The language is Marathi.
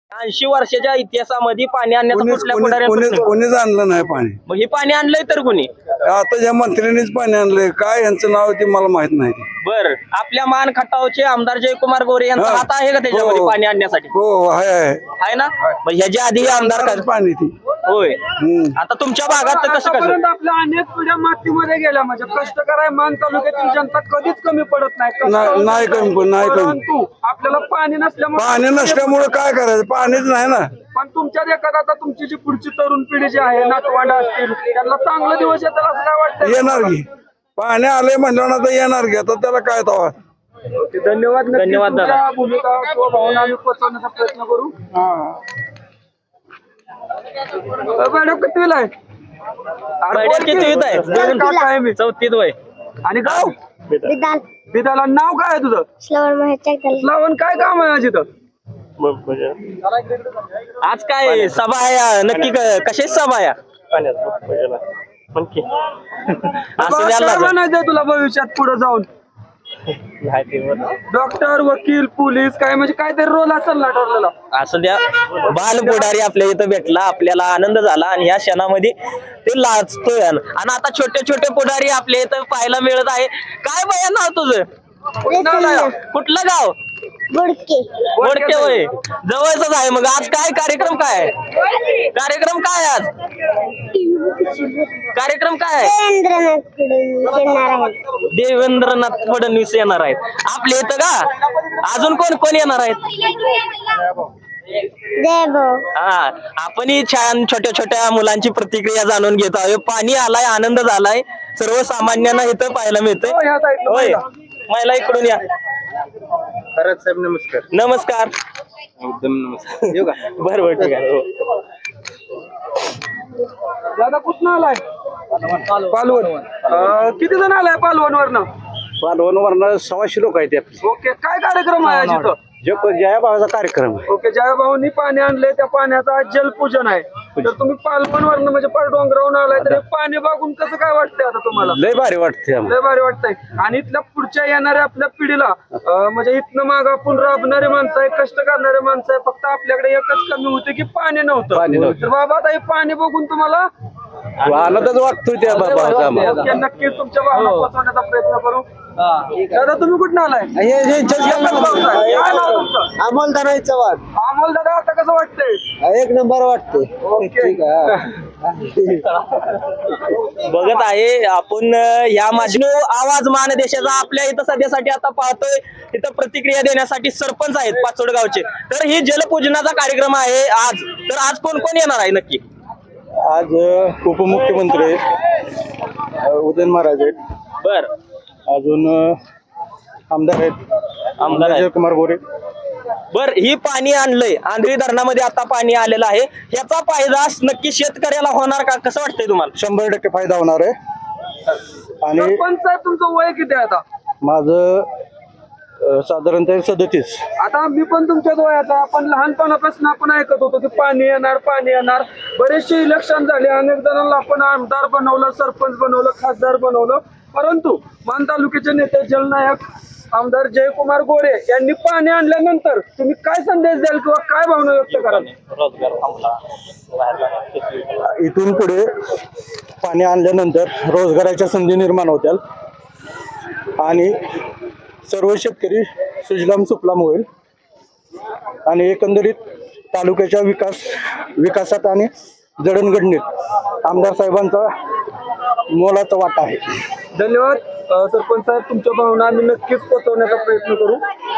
80 वर्षाच्या इतिहासामध्ये पाणी आणण्याचा कुठल्या पुढाऱ्याने कोणीच आणलं नाही पाणी. मग हे पाणी आणलंय तर कोणी? आता ज्या मंत्र्यांनीच पाणी आणलंय, काय यांचं नाव ते मला माहित नाही. बर, आपल्या मान खटावचे आमदार जयकुमार गोरे यांचा हात आहे का त्याच्यामध्ये पाणी आणण्यासाठी? हो आहे ना. मग ह्याच्या आधी आमदार पाणी ती होय. आता तुमच्या भागात कसं कसं आपल्या अनेक पिढ्या मातीमध्ये गेल्या, म्हणजे कष्ट कराय मान तालुक्यातील जनता कधीच कमी पडत नाही. नाही कमी परंतु आपल्याला पाणी नसल्यामुळे काय करायचं, पाणीच नाही ना. पण तुमच्या देखत आता तुमची जी पुढची तरुण पिढी जी आहे, नातवंड असतील, त्यांना चांगला दिवस येतात असं काय वाटतं? येणार की पाणी आले म्हणलं ना तर येणार की. आता त्याला काय तवा. धन्यवाद. धन्यवाद दादा. तुमच्या भूमिका किंवा भावना आम्ही पोहोचवण्याचा प्रयत्न करू. मॅडम कितवीला आहे? कितवीत आहे? मी 4थीत वय. आणि गाव बिदाला. नाव काय आहे तुझं? श्रावण. काय काम आहे आज इथं? आज काय सभा आहे नक्की? कशाची सभा आहे? असं द्यायला काय बनायचंय तुला भविष्यात पुढे जाऊन? डॉक्टर, वकील, पोलीस, काय म्हणजे काहीतरी रोल असेल ना ठरलेला? असं द्या. बाल पुढारी आपल्या इथं भेटला, आपल्याला आनंद झाला आणि या क्षणामध्ये ते लाजतोय. आणि आता छोटे छोटे पुढारी आपल्या इथं पाहायला मिळत आहे. काय बाया नाव तुझं? कुठलं गाव? बोडके होय. जवळच आहे. मग आज काय कार्यक्रम काय आहे? कार्यक्रम काय आज? कार्यक्रम काय? देवेंद्रनाथ फडणवीस येणार आहेत आपल्या इथं का? अजून कोण कोण येणार आहेत? हा, आपण ही छान छोट्या छोट्या मुलांची प्रतिक्रिया जाणून घेत आहोत. पाणी आलाय, आनंद झालाय, सर्वसामान्यांना इथं पाहायला मिळतंय. होय, महिला इकडून या. खरंच साहेब नमस्कार. नमस्कार. एकदम नमस्कार. येऊ का? बरोबर, ठीक आहे. दादा कुठं आलाय? पालवण. किती जण आलाय पालवण वरनं? पालवण 600 लोक आहेत. ओके, काय कार्यक्रम आहे आज इथं? जयाबाचा कार्यक्रम आहे. ओके, जयाभाऊनी पाणी आणले, त्या पाण्याचं आज जलपूजन आहे. तर तुम्ही पालवण वरनं म्हणजे डोंगरावरून आलाय, तर पाणी बघून कसं काय वाटतंय आता तुम्हाला? लय भारी वाटते. लय भारी वाटतंय. आणि इथल्या पुढच्या येणाऱ्या आपल्या पिढीला म्हणजे इथनं माग आपण राबणारे माणसं आहे, कष्ट करणारे माणसं आहे. फक्त आपल्याकडे एकच कमी होते की पाणी नव्हतं. तर बाबा आता हे पाणी बघून तुम्हाला आनंदच वाटतोय त्या बाबा. नक्कीच तुमच्या भावना पोहोचवण्याचा प्रयत्न करू. दादा तुम्ही कुठं आलाय? काय नाव तुमचं? अमोलदार चव्हाण. अमोल दादा, आता कसं वाटतंय? एक नंबर वाटते. बघत आहे आपण या माझी आवाज महानदेशाचा आपल्या इथं सध्यासाठी आता पाहतोय. तिथं प्रतिक्रिया देण्यासाठी सरपंच आहेत पाचोडगावचे. तर ही जलपूजनाचा कार्यक्रम आहे आज. तर आज कोण कोण येणार आहे नक्की? आज उपमुख्यमंत्री आहेत, उदयन महाराज आहेत. बर, अजून आमदार आहेत, आमदार जयकुमार गोरे. बर, ही पाणी आणलंय आंध्री धरणामध्ये, आता पाणी आलेलं आहे. याचा फायदा नक्की शेतकऱ्याला होणार का? कसं वाटतंय तुम्हाला? 100% फायदा होणार आहे. आणि सरपंच साहेब तुमचं वय किती आहे आता? माझं साधारणतः 37. आता मी पण तुमच्याच वयाचा. आपण लहानपणापासून आपण ऐकत होतो की पाणी येणार, पाणी येणार. बरेचसे इलेक्शन झाले, अनेक जणांना आपण आमदार बनवलं, सरपंच बनवलं, खासदार बनवलं. परंतु मान तालुक्याचे नेते जलनायक आमदार जयकुमार गोरे यांनी पाणी आणल्यानंतर तुम्ही काय संदेश द्याल किंवा काय भावना व्यक्त कराल? इथून पुढे पाणी आणल्यानंतर रोजगाराच्या संधी निर्माण होतील आणि सर्व शेतकरी सुजलाम सुफलाम होईल आणि एकंदरीत तालुक्याच्या विकासात आणि जडणघडणीत आमदार साहेबांचा मोलाचा वाटा आहे. धन्यवाद सरपंच साहेब. तुमच्या भावना आम्ही नक्कीच पोहोचवण्याचा प्रयत्न करू.